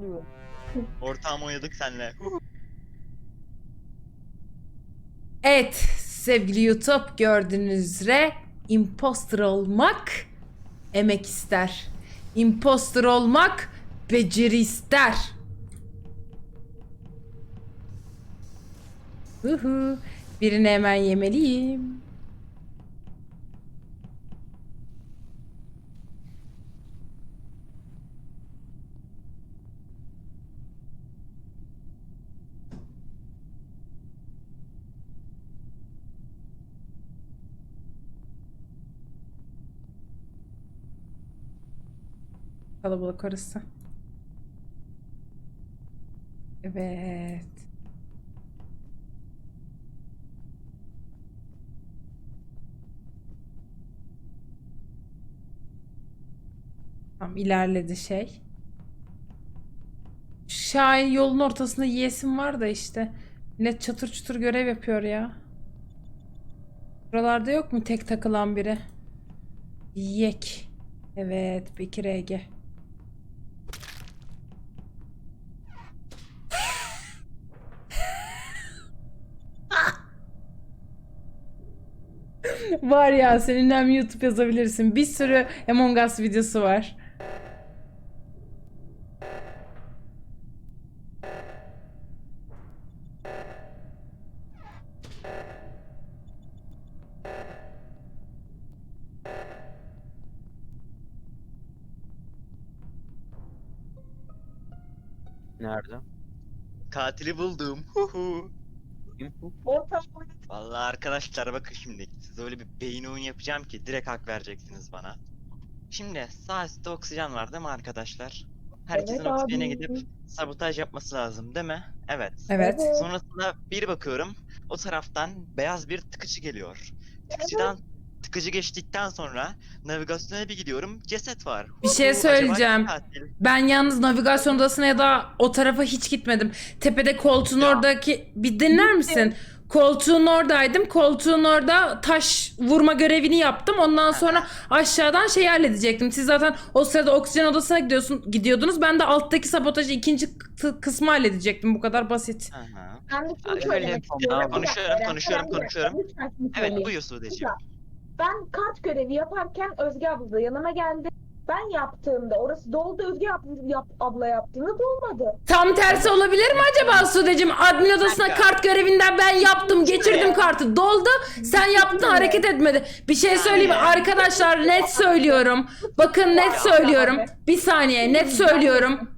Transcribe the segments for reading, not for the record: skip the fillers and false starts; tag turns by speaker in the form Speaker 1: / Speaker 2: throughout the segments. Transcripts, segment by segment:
Speaker 1: Ortağım oynadık senle.
Speaker 2: Evet sevgili YouTube, gördüğünüz üzere imposter olmak emek ister. Imposter olmak beceri ister. Huhu. Birini hemen yemeliyim. Kalabalık orası. Evet. Tam ilerledi şey. Şahin yolun ortasında yiyesim var da işte. Millet çatır çutur görev yapıyor ya. Buralarda yok mu tek takılan biri? Yek. Evet, Bekir Ege. Var ya, seninle hem YouTube yazabilirsin. Bir sürü Among Us videosu var.
Speaker 3: Nerede?
Speaker 1: Katili buldum. Huhu.
Speaker 3: Kim bu?
Speaker 1: Vallahi arkadaşlar bakın şimdi. Size öyle bir beyin oyun yapacağım ki direkt hak vereceksiniz bana. Şimdi sağ üstte oksijen var değil mi arkadaşlar? Herkesin
Speaker 4: Evet
Speaker 1: oksijene
Speaker 4: abi.
Speaker 1: gidip sabotaj yapması lazım değil mi? Evet.
Speaker 2: Evet.
Speaker 1: Sonrasında bir bakıyorum. O taraftan beyaz bir tıkıcı geliyor. Tıkıcı geçtikten sonra navigasyona bir gidiyorum. Ceset var.
Speaker 2: Bir şey
Speaker 1: Acaba
Speaker 2: söyleyeceğim.
Speaker 1: kim katil?
Speaker 2: Ben yalnız navigasyon odasına ya da o tarafa hiç gitmedim. Tepede koltuğun
Speaker 1: Ya.
Speaker 2: oradaki... Bir dinler misin? Koltuğun oradaydım. Koltuğun orada taş vurma görevini yaptım. Ondan sonra aşağıdan şey halledecektim. Siz zaten o sırada oksijen odasına gidiyordunuz. Ben de alttaki sabotajı ikinci kısmı halledecektim. Bu kadar basit.
Speaker 1: Hı hı.
Speaker 4: Ben de şunu
Speaker 1: Öyle
Speaker 4: söylemek istiyorum.
Speaker 3: Tamam.
Speaker 4: Bir dakika,
Speaker 1: Konuşuyorum.
Speaker 4: bir dakika, lütfen şunu
Speaker 1: Evet
Speaker 4: söyleyeyim.
Speaker 1: buyur Sude'ciğim.
Speaker 4: Ben kart görevi yaparken Özge abla da yanıma geldi. Ben yaptığımda orası doldu, Özge abla yaptığında dolmadı.
Speaker 2: Tam tersi olabilir mi acaba Sudeciğim? Admin odasına kart görevinden ben yaptım, geçirdim kartı. Doldu, sen yaptın, hareket etmedi. Bir şey söyleyeyim mi? Arkadaşlar, net söylüyorum. Bakın net söylüyorum. Bir saniye, net söylüyorum.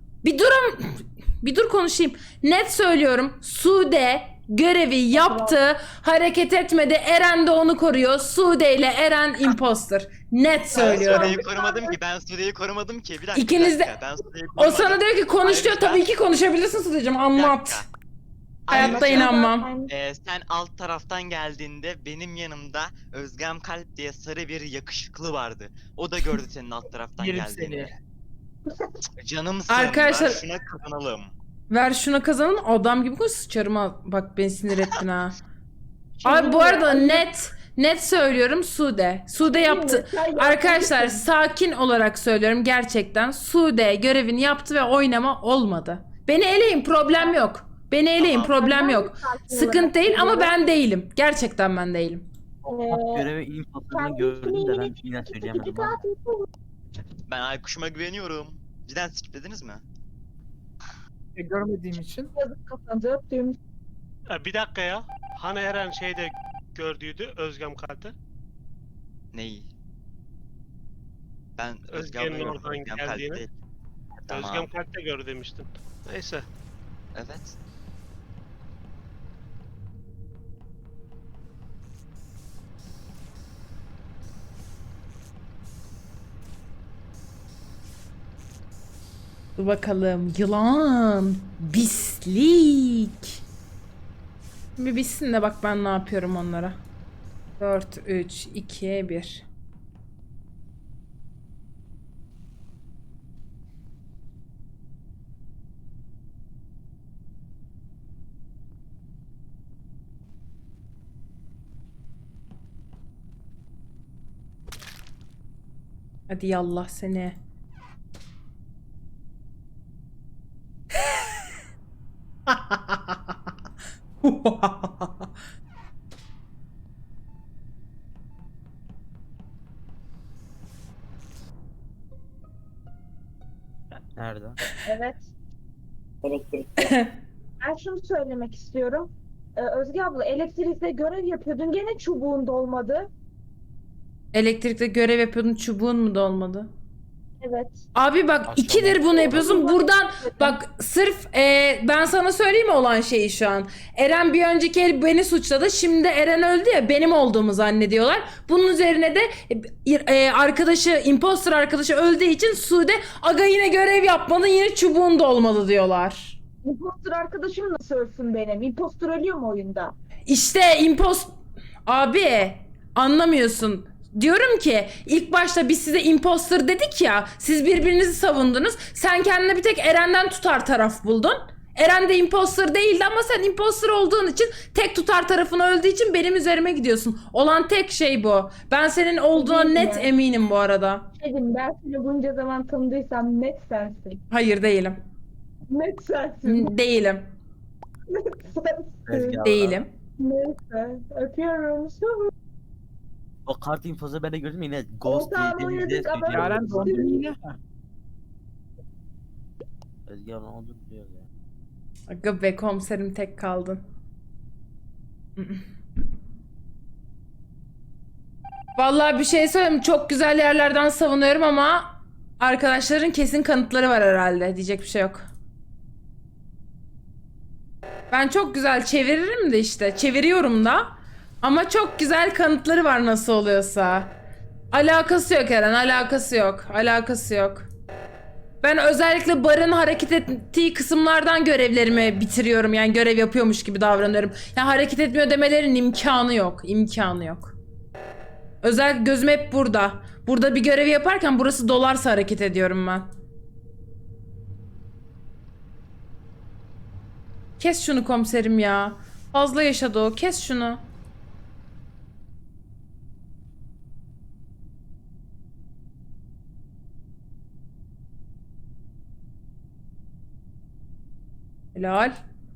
Speaker 2: Bir dur konuşayım. Net söylüyorum. Sude görevi yaptı, hareket etmedi. Eren de onu koruyor. Sude ile Eren imposter. Net
Speaker 1: Ben
Speaker 2: söylüyorum.
Speaker 1: Sude'yi korumadım ki. Bir dakika.
Speaker 2: İkiniz de-
Speaker 1: Ben Sude'yi
Speaker 2: O
Speaker 1: korumadım.
Speaker 2: sana diyor ki konuş diyor.
Speaker 1: Ayrıca-
Speaker 2: Tabii ki konuşabilirsin Sudeciğim.
Speaker 1: Bir
Speaker 2: Anlat.
Speaker 1: dakika.
Speaker 2: Hayatta
Speaker 1: Ayrıca-
Speaker 2: inanmam.
Speaker 1: Sen alt taraftan geldiğinde benim yanımda Özgem Kalp diye sarı bir yakışıklı vardı. O da gördü senin alt taraftan
Speaker 5: Yerim
Speaker 1: geldiğini. Canımsın.
Speaker 2: Arkadaşlar-
Speaker 1: Ver şuna kazanalım.
Speaker 2: Ver şuna kazanın, adam gibi konuş, sıçarım ha. Bak beni sinir ettin ha.
Speaker 4: Şimdi
Speaker 2: Abi bu arada
Speaker 4: ya,
Speaker 2: net söylüyorum, Sude yaptı. Arkadaşlar sakin olarak söylüyorum, gerçekten Sude görevini yaptı ve oynama olmadı. Beni eleyin, problem yok. Beni eleyin,
Speaker 1: Tamam.
Speaker 2: problem
Speaker 4: Ben
Speaker 2: yok.
Speaker 4: sakin
Speaker 2: Sıkıntı
Speaker 4: olarak
Speaker 2: değil ama
Speaker 4: söylüyorum.
Speaker 2: ben değilim. Gerçekten ben değilim.
Speaker 3: Görevi imposterını
Speaker 4: Sen
Speaker 3: gördüm de ben
Speaker 4: ismini
Speaker 3: yine söyleyemedim
Speaker 4: İki
Speaker 3: ama.
Speaker 4: katil
Speaker 1: Ben Aykuş'uma güveniyorum. Cidden skiplediniz mi?
Speaker 5: Görmediğim için.
Speaker 4: yazıp kafanıza öptüğüm
Speaker 6: Bir dakika ya. Hani Eren şeyde gördüydü Özgem Kalp'te.
Speaker 1: Neyi? Ben
Speaker 6: Özgem'in
Speaker 1: Özgem'le
Speaker 6: oradan
Speaker 1: Özgem Kalp
Speaker 6: geldiğini.
Speaker 1: değil. Tamam.
Speaker 6: Özgem Kalp'te gördü demiştin. Neyse.
Speaker 1: Evet.
Speaker 2: Dur bakalım, yılan, bislik. Bir bitsin de bak ben ne yapıyorum onlara. 4, 3, 2, 1. Hadi yallah seni.
Speaker 3: Nerede?
Speaker 4: Evet. Ben şunu söylemek istiyorum. Özge abla elektrikte görev yapıyordun. Gene çubuğun dolmadı.
Speaker 2: Elektrikte görev yapıyordun, çubuğun mu dolmadı?
Speaker 4: Evet.
Speaker 2: Abi bak
Speaker 3: Akşam
Speaker 2: ikidir bunu yapıyorsun.
Speaker 4: oldu.
Speaker 2: Buradan bak sırf ben sana söyleyeyim mi olan şeyi şu an. Eren bir önceki el beni suçladı. Şimdi Eren öldü ya, benim olduğumu zannediyorlar. Bunun üzerine de arkadaşı, imposter arkadaşı öldüğü için Sude aga yine görev yapmadın, yine çubuğun da olmalı diyorlar.
Speaker 4: Impostor arkadaşım nasıl ölsün benim? Impostor ölüyor mu oyunda?
Speaker 2: İşte abi anlamıyorsun. Diyorum ki ilk başta biz size imposter dedik ya, siz birbirinizi savundunuz. Sen kendine bir tek Eren'den tutar taraf buldun. Eren de imposter değildi ama sen imposter olduğun için, tek tutar tarafın öldüğü için benim üzerime gidiyorsun. Olan tek şey bu. Ben senin olduğuna
Speaker 4: Değil mi?
Speaker 2: net eminim bu arada.
Speaker 4: Dedim ben seni bunca zaman tanıdıysam net sensin.
Speaker 2: Hayır değilim.
Speaker 4: Net sensin.
Speaker 2: Değilim.
Speaker 3: Özge
Speaker 4: Sensin.
Speaker 3: abla.
Speaker 2: Değilim.
Speaker 4: Neyse. Öpüyorum.
Speaker 3: O kart infosu ben de gördüm yine Ghost
Speaker 4: Ortağım
Speaker 3: dediğinizde
Speaker 4: oynadık ama-
Speaker 3: söylüyorum.
Speaker 5: Yaren dondun yine.
Speaker 3: Özge abla ne oldu biliyor ya.
Speaker 2: Aga be komiserim, tek kaldın. Vallahi bir şey söyleyeyim, çok güzel yerlerden savunuyorum ama arkadaşların kesin kanıtları var herhalde. Diyecek bir şey yok. Ben çok güzel çeviririm de işte. Çeviriyorum da. Ama çok güzel kanıtları var nasıl oluyorsa. Alakası yok Eren, alakası yok. Alakası yok. Ben özellikle barın hareket ettiği kısımlardan görevlerimi bitiriyorum. Yani görev yapıyormuş gibi davranıyorum. Yani hareket etmiyor demelerin imkanı yok. İmkanı yok. Özellikle gözüm hep burada. Burada bir görevi yaparken burası dolarsa hareket ediyorum ben. Kes şunu komiserim ya. Fazla yaşadı o. Kes şunu. Helal.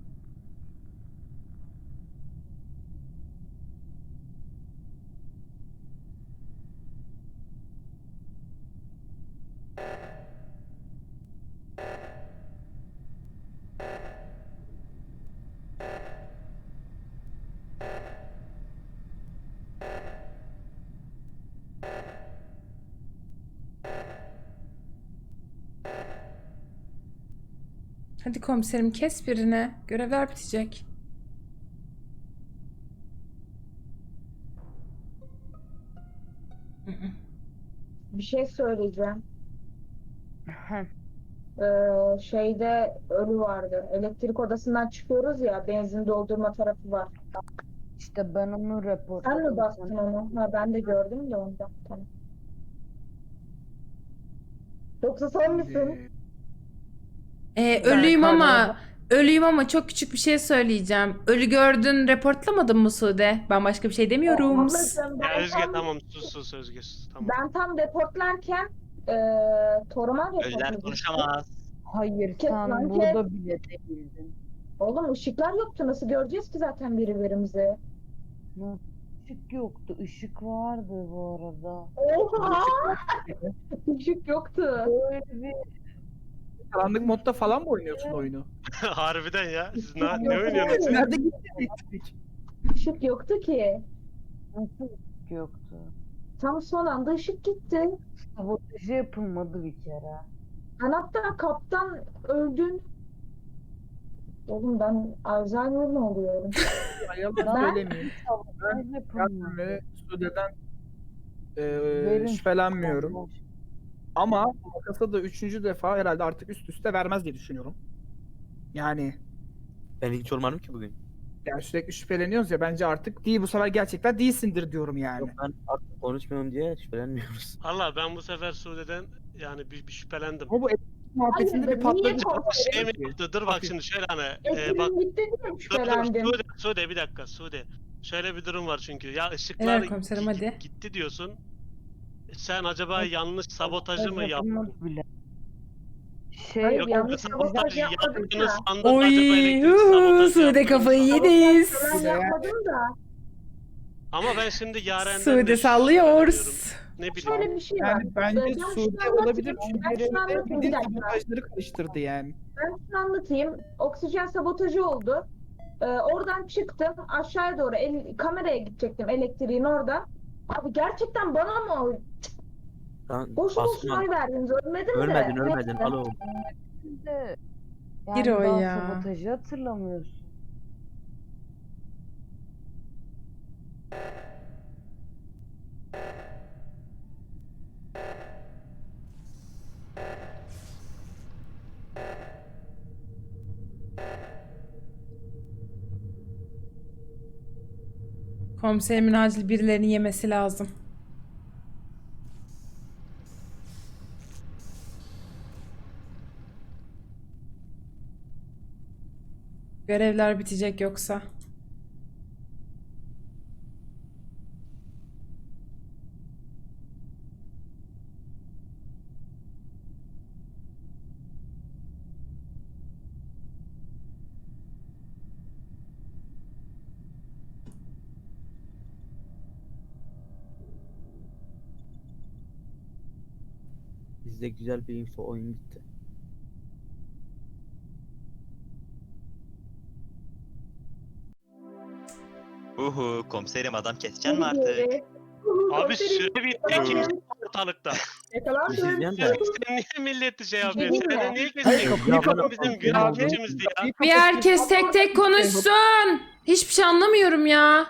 Speaker 2: Hadi komiserim kes birine. Görevler bitecek.
Speaker 4: Bir şey söyleyeceğim. Şeyde ölü vardı. Elektrik odasından çıkıyoruz ya, benzin doldurma tarafı var.
Speaker 7: İşte ben onu
Speaker 4: Sen
Speaker 7: reportladım.
Speaker 4: mi bastın onu? Ha, ben de gördüm de ondan. Tamam. Yoksa sen misin?
Speaker 2: Ölüyüm ama
Speaker 5: Karnına
Speaker 2: ölüyüm ama çok küçük bir şey söyleyeceğim. Ölü gördün, reportlamadın mı Sude? Ben başka bir şey demiyorum.
Speaker 4: Ablacığım,
Speaker 6: Ya
Speaker 4: ben
Speaker 6: Özge
Speaker 4: tam,
Speaker 6: tamam sus Özge sus tamam.
Speaker 4: ben tam reportlarken Toruman
Speaker 1: Ölüler
Speaker 4: reportladı.
Speaker 1: konuşamaz.
Speaker 7: Hayır
Speaker 4: Kes
Speaker 7: sen
Speaker 4: lan,
Speaker 7: burada bile değildin.
Speaker 4: Oğlum ışıklar yoktu. Nasıl göreceğiz ki zaten birbirimizi?
Speaker 7: Işık yoktu. Işık vardı bu arada.
Speaker 4: Oha! Işık yoktu.
Speaker 7: Böyle bir
Speaker 5: Karanlık modda falan mı oynuyorsun oyunu?
Speaker 6: Harbiden ya. Siz
Speaker 4: Yok,
Speaker 6: ne oynuyorsunuz?
Speaker 5: Nerede gitti elektrik?
Speaker 4: Işık yoktu ki.
Speaker 7: nasıl ışık yoktu?
Speaker 4: Tam son anda ışık gitti.
Speaker 7: Sabotajı yapılmadı bir kere.
Speaker 4: Ben hatta kaptan öldün. Oğlum ben Alzheimer mi oluyorum?
Speaker 5: Yalan
Speaker 4: Ben-
Speaker 5: söylemeyeyim.
Speaker 7: Sabotaj yapılmadı.
Speaker 5: Ben ve Sude'den
Speaker 7: Verin
Speaker 5: şüphelenmiyorum.
Speaker 7: sabotaj.
Speaker 5: Ama makasa da 3. defa herhalde artık üst üste vermez diye düşünüyorum. Yani
Speaker 3: Ben hiç olmadım ki bugün.
Speaker 5: sürekli şüpheleniyoruz ya, bence artık değil, bu sefer gerçekten değilsindir diyorum yani.
Speaker 3: Yok ben artık konuşmuyorum diye şüphelenmiyoruz.
Speaker 6: Valla ben bu sefer Sude'den yani bir şüphelendim.
Speaker 5: Ama bu elektrik muhabbetinde
Speaker 4: Hayır,
Speaker 5: bir patladı.
Speaker 4: niye korkuyorsun?
Speaker 6: Şey mi yaptı? Dur bak şimdi şöyle hani bak
Speaker 4: Ekibim gitti diye mi
Speaker 6: dur
Speaker 4: şüphelendim?
Speaker 6: Sude bir dakika Sude. Şöyle bir durum var çünkü ya ışıklar
Speaker 2: Helal komiserim, hadi.
Speaker 6: gitti diyorsun. Sen acaba yanlış sabotajı mı
Speaker 7: Sabotaj
Speaker 6: yaptın?
Speaker 7: yapılmadı bile. Şey
Speaker 6: Yok,
Speaker 7: yanlış
Speaker 6: sabotaj
Speaker 4: yapmadım
Speaker 6: yaptığınız
Speaker 4: da.
Speaker 6: anda
Speaker 2: Oy,
Speaker 6: acaba elektrik sabotajı
Speaker 2: Sude
Speaker 6: yaptınız
Speaker 2: kafayı
Speaker 6: mı?
Speaker 2: yediniz.
Speaker 4: Ben yapmadım da.
Speaker 6: Ama ben şimdi Yaren'den
Speaker 2: Sude
Speaker 6: de
Speaker 2: sallıyoruz.
Speaker 6: şüpheleniyorum. Ne bileyim.
Speaker 4: Şöyle bir şey var.
Speaker 5: Yani bence
Speaker 4: Ben şunu
Speaker 5: Sude
Speaker 4: anlatayım.
Speaker 5: olabilir
Speaker 4: Ben
Speaker 5: çünkü
Speaker 4: şunu
Speaker 5: Sude
Speaker 4: anlatayım, bir
Speaker 5: bildiğin
Speaker 4: dakika.
Speaker 5: sabotajları karıştırdı yani.
Speaker 4: Ben şunu anlatayım. Oksijen sabotajı oldu. Oradan çıktım. Aşağıya doğru kameraya gidecektim, elektriğin orada. Abi gerçekten bana mı?
Speaker 3: Lan
Speaker 4: Boşu boşuna
Speaker 3: Asuman
Speaker 4: oy verdiniz. Ölmedim de.
Speaker 3: ölmedin
Speaker 4: Neyse.
Speaker 3: alo.
Speaker 7: de
Speaker 2: Gir
Speaker 7: yani
Speaker 2: o
Speaker 7: daha
Speaker 2: ya.
Speaker 7: sabotajı hatırlamıyorsun.
Speaker 2: Komiserimin acil birilerini yemesi lazım. Görevler bitecek yoksa.
Speaker 3: Bizde güzel bir info oyun gitti.
Speaker 1: Komiserim adam keseceksin mi artık?
Speaker 6: Abi süre bitti. Kimse yok ortalıkta.
Speaker 3: Bir şey diyeceğim de.
Speaker 6: Sen niye milleti şey yapıyorsun?
Speaker 4: Diyeyim
Speaker 6: Sen
Speaker 4: mi?
Speaker 6: niye
Speaker 5: Hayır,
Speaker 6: kesiyorsun?
Speaker 3: kapıyı
Speaker 6: Adam
Speaker 3: kapat.
Speaker 6: bizim
Speaker 3: Kapıyı kapat.
Speaker 6: güvenlicimizdi ya.
Speaker 2: Bir herkes tek tek konuşsun. Hiçbir şey anlamıyorum ya.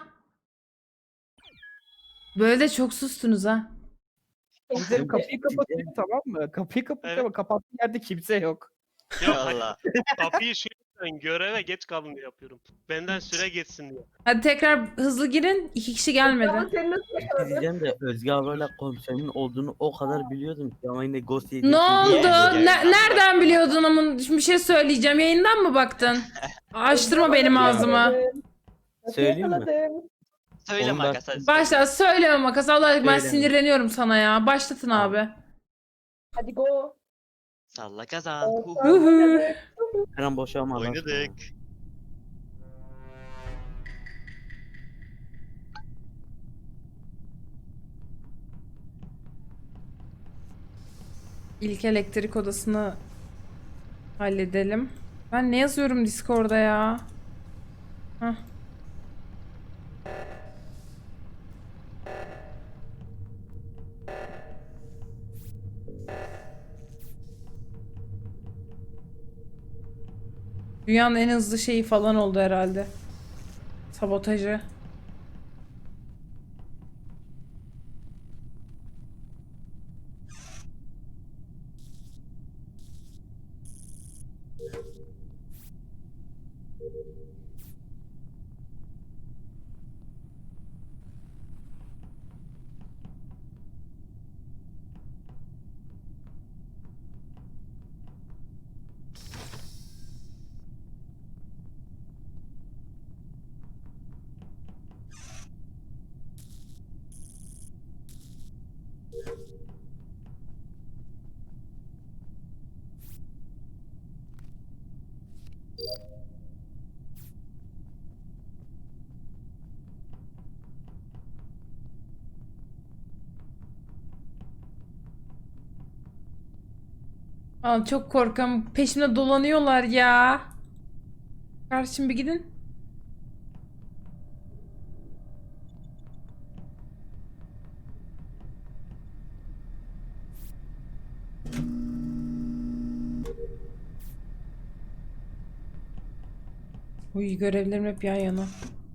Speaker 2: Böyle de çok sustunuz ha.
Speaker 5: Komiserim kapıyı kapatıyor, tamam mı? Kapıyı kapatıyor ama kapattığı yerde kimse yok.
Speaker 6: Yok hayır,
Speaker 1: Valla.
Speaker 6: kapıyı şu yüzden göreve geç kalın diye yapıyorum. Benden süre geçsin diye.
Speaker 2: Hadi tekrar hızlı girin. 2 kişi gelmedi.
Speaker 4: Ama senin nasıl
Speaker 3: Bir şey
Speaker 4: yakaladın?
Speaker 3: diyeceğim de Özge ablayla komiserimin olduğunu o kadar biliyordum ki ama yine Ghost yediği
Speaker 2: Ne
Speaker 3: için
Speaker 2: oldu?
Speaker 3: bilmiyorum.
Speaker 2: Nereden biliyordun ama bir şey söyleyeceğim. Yayından mı baktın? Açtırma benim ağzımı.
Speaker 3: Söyleyeyim mi?
Speaker 4: Yakaladım.
Speaker 1: Söyle
Speaker 3: Onu
Speaker 1: Makas
Speaker 3: ben-
Speaker 1: hadi.
Speaker 2: Başla söyleme Makas. Allah ben
Speaker 3: Söyleme.
Speaker 2: sinirleniyorum sana ya. Başlatın
Speaker 3: Tamam.
Speaker 2: abi.
Speaker 4: Hadi go.
Speaker 1: Salla kazan.
Speaker 2: Huhu.
Speaker 3: Her an boşalma.
Speaker 1: Oynadık.
Speaker 2: İlk elektrik odasını halledelim. Ben ne yazıyorum Discord'da ya? Hah. Dünyanın en hızlı şeyi falan oldu herhalde. Sabotajı. Aa, çok korkuyorum. Peşimde dolanıyorlar ya. Kardeşim bir gidin. Uy görevlerim hep yan yana.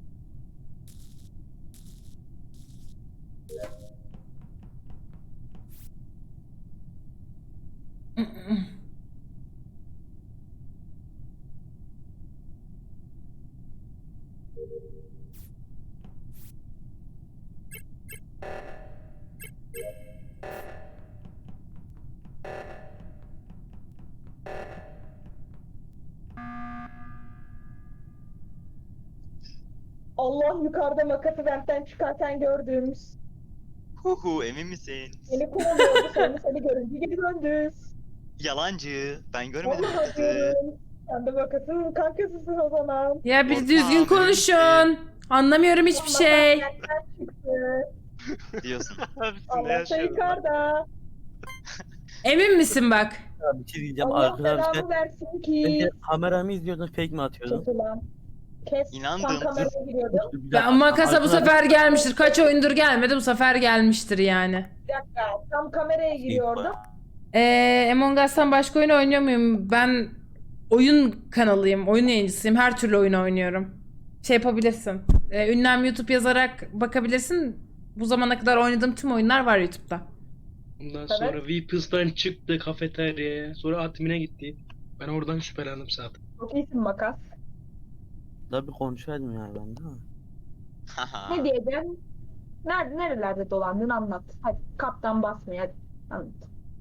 Speaker 4: Allah yukarıda makası ventten çıkarken gördüğümüz.
Speaker 1: Emin misin?
Speaker 4: Seni kovalıyordu, sonra seni görünce geri döndü.
Speaker 1: Yalancı. Ben görmedim
Speaker 4: Vallahi
Speaker 1: kızı.
Speaker 4: diyorum. Sen de bakasın kankasısın o zaman.
Speaker 2: Ya bir
Speaker 1: Ortağım,
Speaker 2: düzgün
Speaker 1: benim
Speaker 2: konuşun. Anlamıyorum hiçbir şey.
Speaker 4: Nereden çıktı?
Speaker 1: Diyorsun.
Speaker 6: Abisin ne
Speaker 4: Allah da
Speaker 6: yaşıyorsun lan?
Speaker 4: yukarıda.
Speaker 2: Emin misin bak?
Speaker 3: Ya bir şey diyeceğim
Speaker 4: Allah
Speaker 3: arkadaşlar.
Speaker 4: belamı versin
Speaker 3: Bence
Speaker 4: ki.
Speaker 3: kamera mı izliyordun fake mi atıyordun?
Speaker 4: Kes ulan. Kes.
Speaker 1: İnandım.
Speaker 4: Tam kameraya giriyordum.
Speaker 3: Bir dakika,
Speaker 2: Ya makasa bu
Speaker 3: arkadaşlar-
Speaker 2: sefer gelmiştir. Kaç oyundur gelmedi, bu sefer gelmiştir yani.
Speaker 4: Bir dakika. Tam kameraya giriyordum.
Speaker 2: Among Us'tan başka oyun oynuyor muyum? Ben oyun kanalıyım, oyun yayıncısıyım. Her türlü oyun oynuyorum. Şey yapabilirsin. Ünlem YouTube yazarak bakabilirsin. Bu zamana kadar oynadığım tüm oyunlar var YouTube'da.
Speaker 8: Ondan
Speaker 4: Evet.
Speaker 8: sonra Weepus'tan çıktı kafeteryaya. Sonra admin'e gitti. Ben oradan şüphelendim zaten.
Speaker 4: Çok iyisin makas.
Speaker 3: Da bir konuşaydım ya ben değil mi?
Speaker 4: Ne diyeceğim? Nerelerde dolandın anlat. Hadi kaptan basmıyor hadi. Anlat.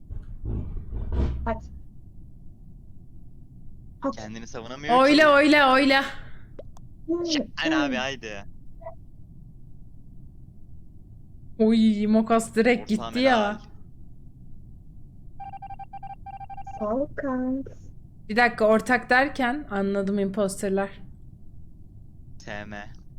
Speaker 4: Hadi. Hadi.
Speaker 1: Kendini savunamıyor ki.
Speaker 2: Oyla.
Speaker 1: Aynen abi haydi.
Speaker 2: Oy, Mokas direkt
Speaker 1: Ortağım
Speaker 2: gitti ya.
Speaker 1: helal.
Speaker 4: Sağ ol kanks.
Speaker 2: Bir dakika, ortak derken anladım, imposterlar.
Speaker 1: SM.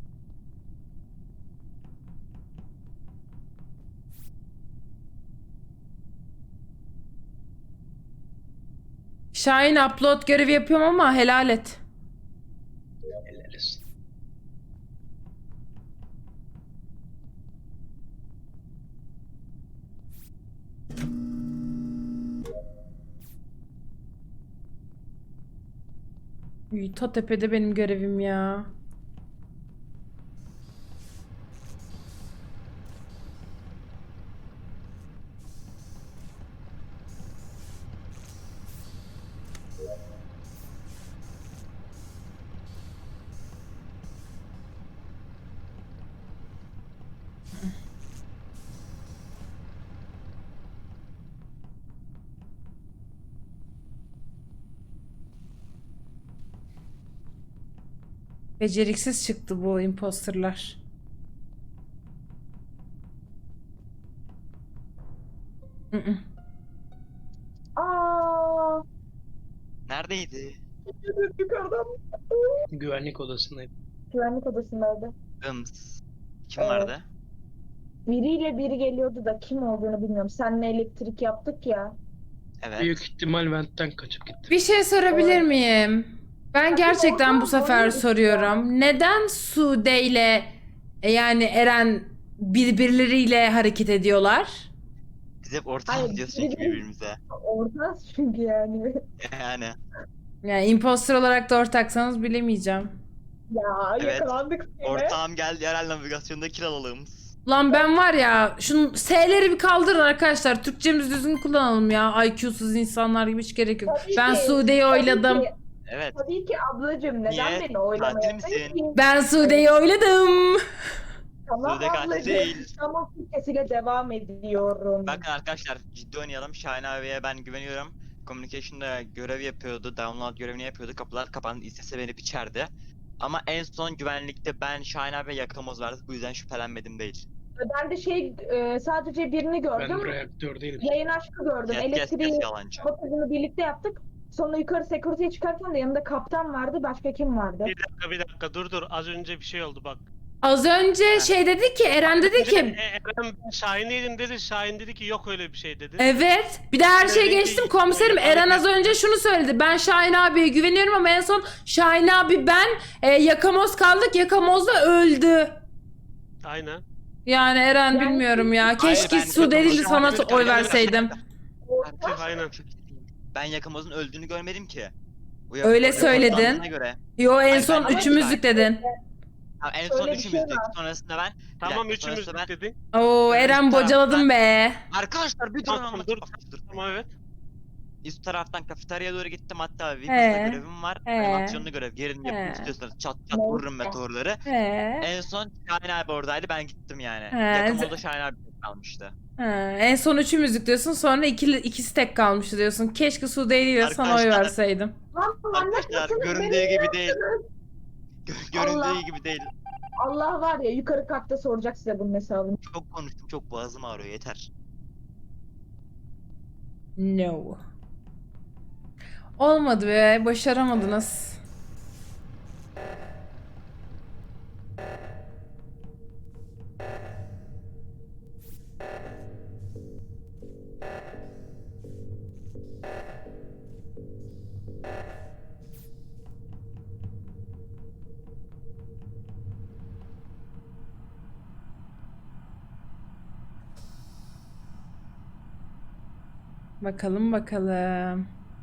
Speaker 2: Şahin upload görevi yapıyorum ama helal et.
Speaker 8: Helal olsun.
Speaker 2: Uy, ta tepede benim görevim ya. Beceriksiz çıktı bu imposterlar. Mm-mm.
Speaker 4: Aa,
Speaker 1: Neredeydi?
Speaker 4: yukarıdan.
Speaker 8: Güvenlik odasındaydı.
Speaker 4: Güvenlik odasındaydı.
Speaker 1: Ims. Kim
Speaker 4: Evet.
Speaker 1: vardı?
Speaker 4: Biriyle biri geliyordu da kim olduğunu bilmiyorum. Seninle elektrik yaptık ya.
Speaker 1: Evet.
Speaker 8: Büyük ihtimal ventten kaçıp gitti.
Speaker 2: Bir şey sorabilir miyim? Ben gerçekten bu sefer soruyorum. Neden Sude ile yani Eren birbirleriyle hareket ediyorlar?
Speaker 1: Biz hep ortam
Speaker 4: Hayır,
Speaker 1: diyoruz çünkü
Speaker 4: biri-
Speaker 1: birbirimize.
Speaker 4: Orada çünkü yani.
Speaker 1: Yani.
Speaker 2: Yani imposter olarak da ortaksanız bilemeyeceğim.
Speaker 4: Ya
Speaker 1: Evet.
Speaker 4: yakalandık yine.
Speaker 1: Ortağım geldi yerel navigasyonda kiralalım.
Speaker 2: Lan ben var ya, şunun S'leri bir kaldırın arkadaşlar. Türkçemizi düzgün kullanalım ya. IQ'suz insanlar gibi hiç gerek yok.
Speaker 4: Tabii
Speaker 2: Ben
Speaker 4: ki,
Speaker 2: Sude'yi
Speaker 4: tabii
Speaker 2: oyladım.
Speaker 4: ki,
Speaker 1: Evet.
Speaker 4: Tabii ki ablacığım neden
Speaker 1: Niye?
Speaker 4: beni
Speaker 1: Katil
Speaker 4: oylamayasın
Speaker 1: misin?
Speaker 4: ki?
Speaker 2: Ben Sude'yi oyladım.
Speaker 4: Tamam
Speaker 1: Sude katil
Speaker 4: ablacığım.
Speaker 1: değil.
Speaker 4: Tamam sesiyle devam ediyorum.
Speaker 1: Bakın arkadaşlar ciddi oynayalım. Şahin abiye ben güveniyorum. Communication'da görev yapıyordu. Download görevini yapıyordu. Kapılar kapandı. İstese beni biçerdi. Ama en son güvenlikte ben Şahin abiye yakamoz verdik. Bu yüzden şüphelenmedim değil.
Speaker 4: Ben de sadece birini
Speaker 8: Ben
Speaker 4: gördüm.
Speaker 8: reaktördeydim.
Speaker 4: Yayın aşkı gördüm.
Speaker 1: Kes
Speaker 4: Elektriği
Speaker 1: yalancı.
Speaker 4: bakımını birlikte yaptık. Sonra yukarı security'ye çıkarken de yanında kaptan vardı. Başka kim vardı?
Speaker 6: Bir dakika dur az önce bir şey oldu bak.
Speaker 2: Az önce şey dedi ki, Eren dedi ki
Speaker 6: Eren Şahin'leydin dedi. Şahin dedi ki yok öyle bir şey dedi.
Speaker 2: evet. Bir de her şeyi geçtim komiserim. Eren az önce şunu söyledi. Ben Şahin abiye güveniyorum ama en son Şahin abi ben yakamoz kaldık. Yakamoz da öldü.
Speaker 6: Aynen.
Speaker 2: Yani Eren
Speaker 4: Yani-
Speaker 2: bilmiyorum ya. Keşke
Speaker 1: ben
Speaker 2: Su değil de sana
Speaker 1: Yakamoz'un
Speaker 2: oy
Speaker 1: öldüğünü
Speaker 2: verseydim.
Speaker 6: Aktif aynen.
Speaker 1: Ben yakamozun öldüğünü görmedim ki. Bu
Speaker 2: Öyle
Speaker 1: Yakamoz'un
Speaker 2: söyledin.
Speaker 1: fotoğrafına Göre.
Speaker 2: Yo, en
Speaker 1: Ay,
Speaker 2: son
Speaker 1: ben-
Speaker 2: üçümüzlük dedin.
Speaker 1: Ha, en son
Speaker 4: Öyle bir şey
Speaker 1: üçümüzdük.
Speaker 4: var.
Speaker 1: Sonrasında ben.
Speaker 6: Tamam
Speaker 1: Bir dakika,
Speaker 6: üçümüz
Speaker 1: sonrasında ben-
Speaker 6: dedin.
Speaker 2: Oo, Eren bocaladın be.
Speaker 1: Arkadaşlar bir durun
Speaker 6: Tamam,
Speaker 1: anlatayım.
Speaker 6: dur.
Speaker 1: Dur.
Speaker 6: Tamam evet.
Speaker 1: Üst taraftan kafeteryaya doğru gittim hatta Vipus'ta görevim var.
Speaker 2: He.
Speaker 1: Animasyonlu görev. Gelin yapın
Speaker 2: He.
Speaker 1: istiyorsanız çat çat
Speaker 4: Ne?
Speaker 1: vururum meteorları.
Speaker 2: He.
Speaker 1: En son Şahin abi oradaydı ben gittim yani.
Speaker 2: He.
Speaker 1: Yakamozda Şahin abi kalmıştı.
Speaker 2: Ha, en son üçümüzlük diyorsun, sonra ikisi tek kalmıştı diyorsun. Keşke Su değil de sana oy
Speaker 1: Arkadaşlar-
Speaker 2: verseydim.
Speaker 4: Lan
Speaker 1: Arkadaşlar
Speaker 4: anlatmasana
Speaker 1: göründüğü
Speaker 4: beni.
Speaker 1: gibi değil. Göründüğü
Speaker 4: Allah.
Speaker 1: gibi değil.
Speaker 4: Allah var ya yukarı katta soracak size bunun hesabını.
Speaker 1: Çok konuştum çok boğazım ağrıyor yeter.
Speaker 2: No. Olmadı be, başaramadınız. Bakalım bakalım.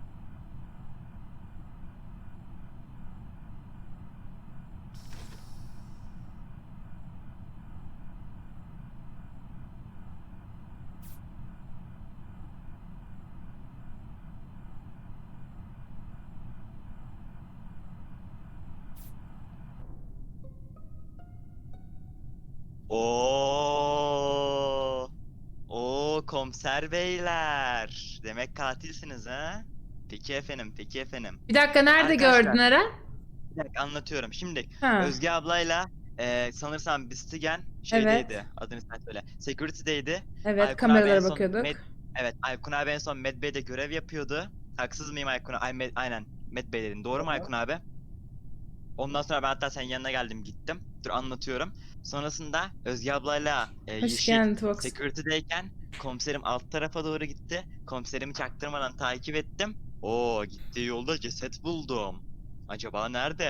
Speaker 1: Oo. Oo komiser beyler. Demek katilsiniz ha? Peki efendim, peki efendim.
Speaker 2: Bir dakika, nerede
Speaker 1: Arkadaşlar-
Speaker 2: gördün Eren?
Speaker 1: Bir dakika anlatıyorum. Şimdi
Speaker 2: Ha.
Speaker 1: Özge ablayla sanırsam Bistigen şeydeydi. Adını sen söyle. Security'deydi.
Speaker 2: Evet,
Speaker 1: Aykun abi
Speaker 2: kameralara
Speaker 1: en son
Speaker 2: bakıyorduk.
Speaker 1: Evet, Aykun abi en son Med Bey'de görev yapıyordu. Haksız mıyım Aykun abi? Aynen. Med Bey dedin. Doğru mu Aykun abi? Ondan sonra ben hatta senin yanına geldim gittim. Dur anlatıyorum. Sonrasında Özge ablayla
Speaker 2: Hoş
Speaker 1: Yeşil
Speaker 2: geldin Tuvox.
Speaker 1: Security'deyken komiserim alt tarafa doğru gitti. Komiserimi çaktırmadan takip ettim. Oo, gittiği yolda ceset buldum. Acaba nerede?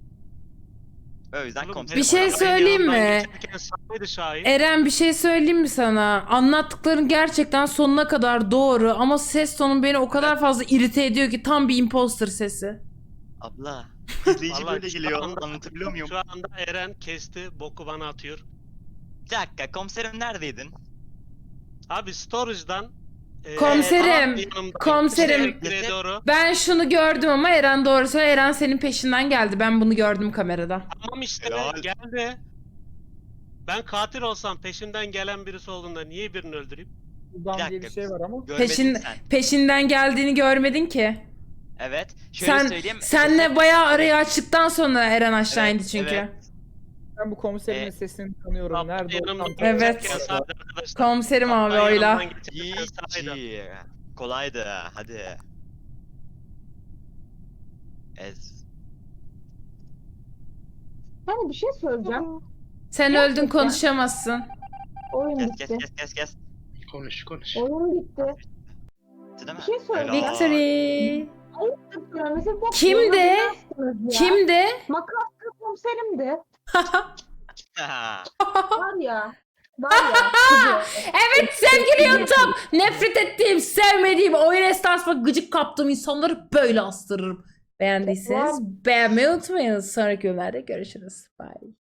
Speaker 1: O yüzden
Speaker 6: Oğlum,
Speaker 1: komiserim
Speaker 2: Bir şey
Speaker 1: orada-
Speaker 6: benim
Speaker 2: söyleyeyim
Speaker 6: yanımdan
Speaker 2: mi?
Speaker 6: geçerken sahaydı Şahin.
Speaker 2: Eren, bir şey söyleyeyim mi sana? Anlattıkların gerçekten sonuna kadar doğru ama ses tonun beni o kadar fazla irite ediyor ki tam bir imposter sesi.
Speaker 1: Abla. İzleyici
Speaker 6: Vallahi
Speaker 1: böyle
Speaker 6: şu
Speaker 1: geliyor.
Speaker 6: anda-
Speaker 1: Anlatabiliyor muyum?
Speaker 6: Şu anda Eren kesti, boku bana atıyor.
Speaker 1: Bir dakika komiserim neredeydin?
Speaker 6: Abi storage'dan
Speaker 2: Komiserim,
Speaker 6: yanımda
Speaker 2: komiserim.
Speaker 6: elektriğe doğru.
Speaker 2: Ben şunu gördüm ama Eren doğru söylüyor. Eren senin peşinden geldi. Ben bunu gördüm kamerada.
Speaker 6: Tamam işte
Speaker 1: Helal.
Speaker 6: geldi. Ben katil olsam peşimden gelen birisi olduğunda niye birini öldüreyim?
Speaker 5: Buradan
Speaker 1: Bir
Speaker 5: diye bir
Speaker 1: dakika.
Speaker 5: şey var ama.
Speaker 1: Görmedin
Speaker 2: Peşin,
Speaker 1: sen.
Speaker 2: peşinden geldiğini görmedin ki.
Speaker 1: Evet. Şöyle
Speaker 2: Sen
Speaker 1: söyleyeyim.
Speaker 2: senle
Speaker 1: ceset-
Speaker 2: bayağı arayı açtıktan sonra Eren aşağı
Speaker 1: Evet,
Speaker 2: indi çünkü.
Speaker 1: evet.
Speaker 5: Ben bu komiserimin
Speaker 1: Ee,
Speaker 5: sesini tanıyorum.
Speaker 6: Kaptan
Speaker 5: Nerede
Speaker 6: yanımda
Speaker 5: olsam
Speaker 2: Evet.
Speaker 6: geçerken sahaydı arkadaşlar.
Speaker 2: Komiserim abi
Speaker 6: Kaptan
Speaker 2: oyla.
Speaker 6: yanımdan geçerken sahaydı.
Speaker 1: GG. Kolaydı. Hadi. Ez.
Speaker 4: Hani bir şey söyleyeceğim.
Speaker 2: Sen öldün, konuşamazsın.
Speaker 4: Oyun
Speaker 1: Kes
Speaker 4: bitti.
Speaker 1: kes.
Speaker 8: Konuş konuş.
Speaker 4: Oyun bitti.
Speaker 1: Bitti değil mi?
Speaker 4: Bir şey söyleyeceğim.
Speaker 1: Helal.
Speaker 2: Victory.
Speaker 4: Mesela bak,
Speaker 2: Kimdi?
Speaker 4: bana ne yaptınız ya?
Speaker 2: Kimdi?
Speaker 4: Makaslı komiserimdi. Var ya. Var ya. kızı.
Speaker 2: Evet sevgili YouTube. Nefret ettiğim, sevmediğim, oyun esnasında gıcık kaptığım insanları böyle astırırım. Beğendiyseniz beğenmeyi unutmayın. Sonraki bölümlerde görüşürüz. Bye.